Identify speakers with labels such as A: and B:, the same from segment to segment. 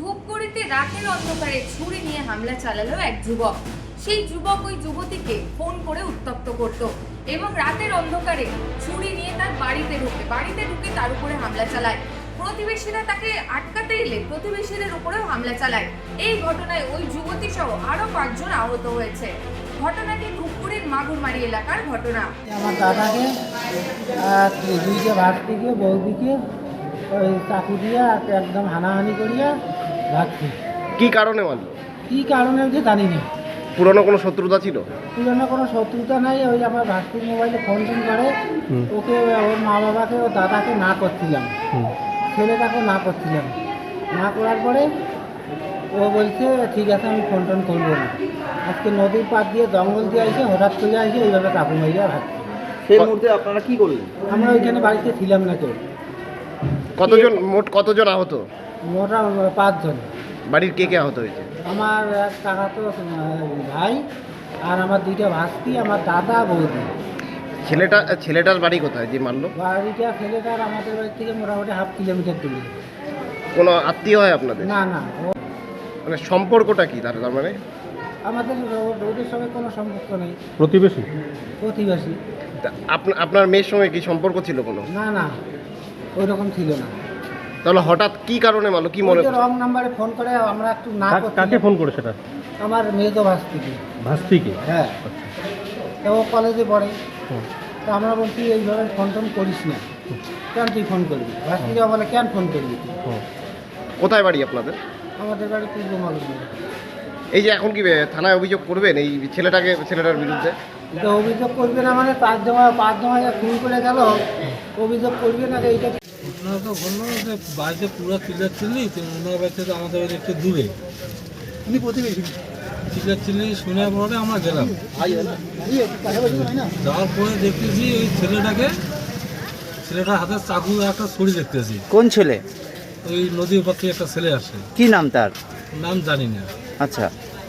A: ধূপগুড়িতে রাতের অন্ধকারে ছুরি নিয়ে হামলা চালালো এক যুবক। সেই যুবক ওই যুবতীকে ফোন করে উত্তপ্ত করত এবং রাতের অন্ধকারে ছুরি নিয়ে তার বাড়িতে ঢুকে তার উপরে হামলা চালায়। প্রতিবেশীরা তাকে আটকাতে এলে প্রতিবেশীদের উপরেও হামলা চালায়। এই ঘটনায় ওই যুবতী সহ আরো 5 জন আহত হয়েছে। ঘটনাটি ধূপগুড়ির মাগুরমারি এলাকার ঘটনা।
B: আমার দাদাকে দুইটা ভাতটিকে বৌদিকে ওই চাকু দিয়ে একদম হানাহানি করিয়া ভাগছি।
C: কি কারণে মারলো?
B: কী কারণে যে জানি না।
C: পুরনো কোনো শত্রুতা ছিল?
B: পুরনো কোনো শত্রুতা নাই। ওই আমার ভাস্তির মোবাইলে ফোন করে ওকে ওর মা বাবাকে ওর দাদাকে না করছিলাম, ছেলেটাকেও না করছিলাম। না করার পরে ও বলছে ঠিক আছে আমি ফোন করবো না। আজকে নদীর পাড় দিয়ে জঙ্গল দিয়ে আসে, হঠাৎ করে আসে এইভাবে কাকু মাইয়া ভাগছি।
D: সেই মুহূর্তে আপনারা কি করলেন?
B: আমরা ওইখানে বাড়িতে ছিলাম না কেউ।
C: মোট কতজন আহত?
B: মোটা 5 জন।
C: বাড়ির কে কে আহত হয়েছে?
B: আমার এক কাকাতো ভাই আর আমার 2টা ভাস্তি, আমার দাদা বৌদি।
C: ছেলেটার বাড়ি কোথায় যে মারলো?
B: বাড়িটা ছেলেটার আমাদের বাড়ি থেকে মোটামুটি 1/2 কিলোমিটার দূরে।
C: কোনো আত্মীয় হয় আপনাদের?
B: না না,
C: মানে সম্পর্কটা কি তার মানে?
B: আমাদের ওদের সঙ্গে কোনো সম্পর্ক নেই।
C: প্রতিবেশী?
B: প্রতিবেশী।
C: আপনার মেয়ের সঙ্গে কি সম্পর্ক ছিল কোনো?
B: না না, ওই রকম ছিল না।
C: তাহলে হঠাৎ কি কারণে মারলো কি মনে?
B: রং নাম্বারে ফোন করে আমরা একটু না
C: কাকে ফোন করে সেটা?
B: আমার মেয়ে তো ভাস্তিকে।
C: ভাস্তিকে?
B: হ্যাঁ, তো ও কলেজে পড়ে। তো আমরা বলছি এইভাবে ফোন করিস না, কেন তুই ফোন করবি? ভাস্তিকে বলে কেন ফোন করবি তুই?
C: কোথায় বাড়ি আপনাদের?
B: আমাদের বাড়ি পূর্ব মাগুরমারি।
C: এই যে এখন কি থানায় অভিযোগ করবেন এই ছেলেটার বিরুদ্ধে?
B: তো অভিযোগ করবে না মানে 5 জমা খুন করে গেল, অভিযোগ করবে না। এইটা
E: ঘটনা তো বললো যে বাড়িতে পুরো চিল্লাচিল্লি, ওনার বাড়িতে তো আমাদের বাড়ি একটু দূরে,
B: উনি প্রতিবেশী।
E: চিল্লাচিল্লি শোনার পরে আমরা গেলাম। যাওয়ার পরে দেখতেছি ওই ছেলেটার হাতে চাকু একটা ছুরি দেখতেছি।
D: কোন ছেলে?
E: ওই নদীর উপর থেকে একটা ছেলে আসে,
D: কি নাম তার?
E: নাম জানি না।
D: আচ্ছা,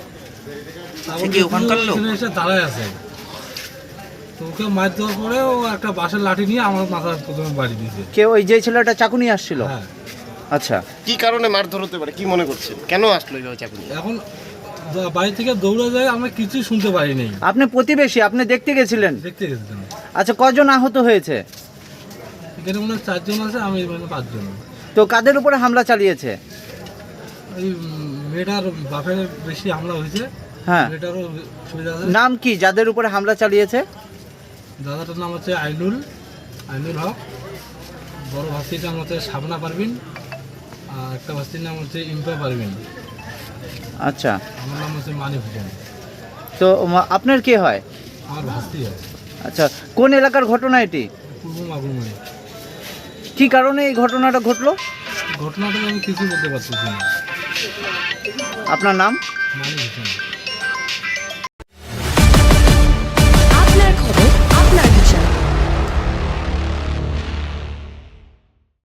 E: তারপর এসে দাঁড়ায় আছে, তো ওকে মার দেওয়ার পরে ও একটা বাঁশের লাঠি নিয়ে আমার মাথার প্রথমে বাড়ি দিয়েছে।
D: কে ওই যে ছেলেটা চাকু নিয়ে আসছিল?
E: হ্যাঁ।
D: আচ্ছা,
C: কি কারণে মারধর হতে পারে কি মনে করছেন? কেন আসলো এইভাবে চাকু নিয়ে?
E: এখন বাড়ি থেকে দৌড়ে যায়, আমরা কিছুই শুনতে পারিনি।
D: আপনি প্রতিবেশী, আপনি দেখতে গেছিলেন?
E: দেখতে গেছিলাম।
D: আচ্ছা, কজন আহত হয়েছে?
E: এখানে মনে হয় 4 জন আছে, আমি মানে 5 জন।
D: তো কাদের উপরে হামলা চালিয়েছে?
E: ওই মেয়েটার বাপের বেশি হামলা হয়েছে।
D: হ্যাঁ,
E: মেয়েটারও সুবিধা আছে।
D: নাম কি যাদের উপরে হামলা চালিয়েছে?
E: দাদাটার নাম হচ্ছে আইনুল হক, বড় ভাস্তিটার নাম হচ্ছে শাবনা পারভিন, আর একটা ভাস্তির নাম হচ্ছে ইম্পা পারভিন।
D: আচ্ছা,
E: আমার নাম হচ্ছে মানি হোসেন।
D: তো আপনার কে হয়?
E: আমার ভাস্তি হয়।
D: আচ্ছা, কোন এলাকার ঘটনা এটি?
E: পূর্ব মাগুরমারি।
D: কি কারণে এই ঘটনাটা ঘটলো?
E: ঘটনাটা আমি কিছু বলতে পারতেছি না।
D: আপনার নাম?
E: মানি হোসেন।